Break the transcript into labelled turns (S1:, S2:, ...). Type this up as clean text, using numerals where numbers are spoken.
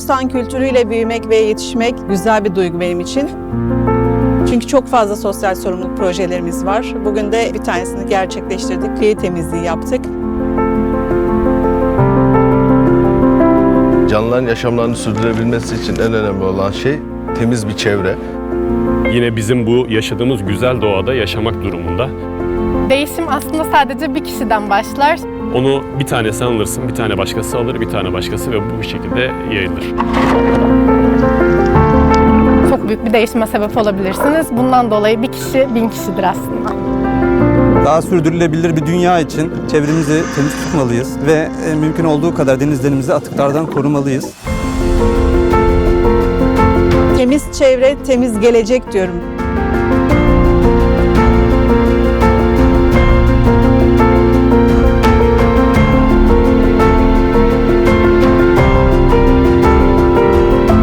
S1: Korsan kültürüyle büyümek ve yetişmek güzel bir duygu benim için. Çünkü çok fazla sosyal sorumluluk projelerimiz var. Bugün de bir tanesini gerçekleştirdik. Kıyı temizliği yaptık.
S2: Canlıların yaşamlarını sürdürebilmesi için en önemli olan şey temiz bir çevre.
S3: Yine bizim bu yaşadığımız güzel doğada yaşamak durumunda.
S4: Değişim aslında sadece bir kişiden başlar.
S3: Onu bir tane sen alırsın, bir tane başkası alır, bir tane başkası ve bu şekilde yayılır.
S4: Çok büyük bir değişime sebep olabilirsiniz. Bundan dolayı bir kişi 1000 kişidir aslında.
S5: Daha sürdürülebilir bir dünya için çevremizi temiz tutmalıyız ve mümkün olduğu kadar denizlerimizi atıklardan korumalıyız.
S1: Temiz çevre, temiz gelecek diyorum.